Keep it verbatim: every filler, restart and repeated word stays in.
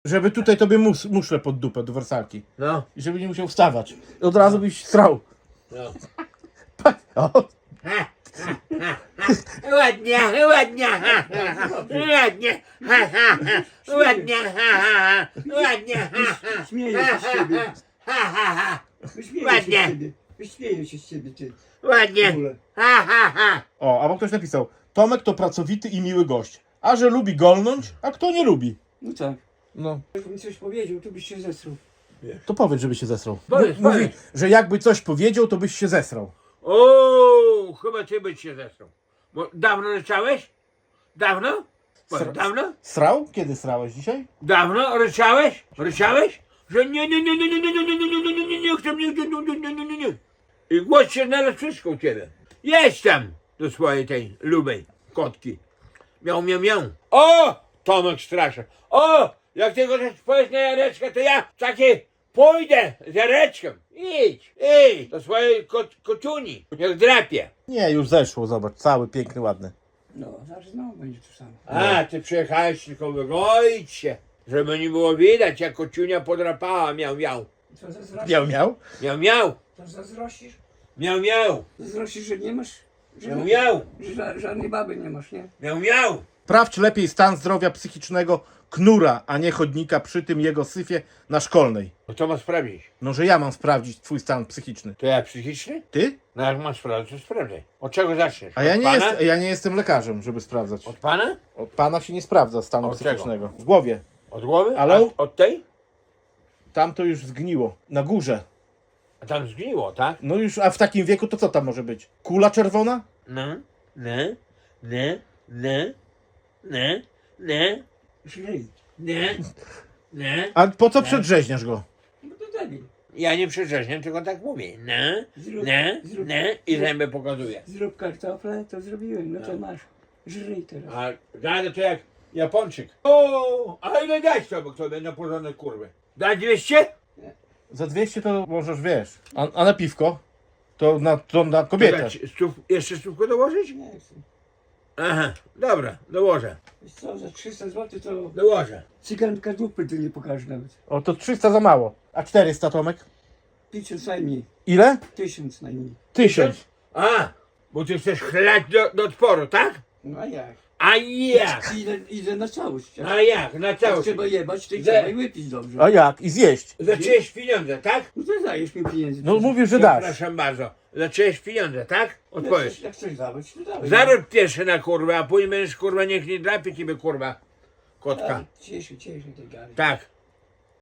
Żeby tutaj tobie mus, muszle pod dupę do wersalki. No, I żeby nie musiał wstawać. I od razu byś strał. no. Pa- O, Ha, ha, ha, ha. Ładnie, ładnie, ha, ha, ha. Ładnie, ha, ha, ha. Ładnie, ha, ha, ha. Ładnie, ha, ha. Śmieję się z ciebie. Ha, ha, ha. Wyśmieję się Ładnie. z ciebie. Wyśmieję się z ciebie, ty. W Ładnie, ogóle. ha, ha, ha. o, albo ktoś napisał. Tomek to pracowity i miły gość. A że lubi golnąć, a kto nie lubi? No tak. No, Jakbym coś powiedział, to byś się zesrał. to powiedz, żeby się zesrał. Powiedz, Mówi, powiedz. że jakby coś powiedział, to byś się zesrał. O, chyba ty byś się zesrał. Bo dawno ryczałeś? Dawno? Powiedz, Sra- Dawno? Srał? Kiedy srałeś dzisiaj? Dawno ryczałeś? Ryczałeś? Że nie, nie, nie, nie, nie, nie, nie, nie, nie, nie, nie, nie, nie chcę, nie, nie, nie, nie, nie, nie, nie, nie. I głos się znalazł wszystko u ciebie. Jedź tam do swojej tej lubej kotki. Miał, miał, miał. O! Tomek straszy. O! Jak ty go też powiesz na Jareczkę, to ja taki pójdę z Jareczkiem. Idź, idź do swojej kot, kociuni. Jak drapie. Nie, już zeszło, zobacz. Cały, piękny, ładny. No, zaraz znowu będzie to samo. A, ty przyjechałeś tylko wygoić się, żeby nie było widać, jak kociunia podrapała. Miał, miał. Co zazdrościsz? Miał, miał. Miał, miał. To zazdrościsz? Miał, miał. Zazdrościsz, że nie masz? Że, Miał, miał. że ża- żadnej baby nie masz, nie? Miał, miał. Sprawdź lepiej stan zdrowia psychicznego knura, a nie chodnika przy tym jego syfie na szkolnej. No to ma sprawdzić. No, że ja mam sprawdzić twój stan psychiczny. To ja psychiczny? Ty? No jak masz sprawdzić, to sprawdzaj. Od czego zaczniesz? A ja Od nie, pana? jest, ja nie jestem lekarzem, żeby sprawdzać. Od pana? Od pana się nie sprawdza stanu Od czego? psychicznego. W głowie. Od głowy? Ale- A od tej? Tam to już zgniło. Na górze. A tam zgniło, tak? No już, a w takim wieku to co tam może być? Kula czerwona? No, ne, ne, ne, ne, ne, Źlej. ne, ne. A po co przedrzeźniasz go? No to debil. Ja nie przerzeźniam, tylko tak mówię. Ne, Zrób, ne, zrób, ne i zęby pokazuję. zrób kartofle, to zrobiłem. No to masz. Żryj teraz. A gadę to jak Japończyk. O, a ile dać sobie sobie na porządek kurwy? Dać dwieście? Za dwieście to możesz, wiesz. A, a na piwko? To na, to na kobietę. Dać stów, jeszcze stówkę dołożyć? Nie chcę. Aha, dobra, dołożę, Wiesz co, za trzysta złotych to dołożę. cyganka dupy tu nie pokaże nawet. O, to trzysta za mało. A czterysta, Tomek? Tysiąc najmniej. Ile? Tysiąc najmniej. Tysiąc. A, bo ty chcesz chlać do, do odporu, tak? No a jak? A jak? Idę, idę na całość. Jak A jak? Na jak całość. trzeba jebać, to i Ze- trzeba i wypić dobrze. A jak? I zjeść. Zacząłeś pieniądze, tak? No to dajesz mi pieniędzy. No mówisz, że dasz. Przepraszam bardzo. Zacząłeś pieniądze, tak? Jak Odpowiedz. chcesz, jak chcesz dawać, to dawaj. Zarób pierwszy na kurwę, a później będziesz kurwa, niech nie drapie ciebie kurwa. Kotka. Tak, cieszę, cieszę tej gary. Tak.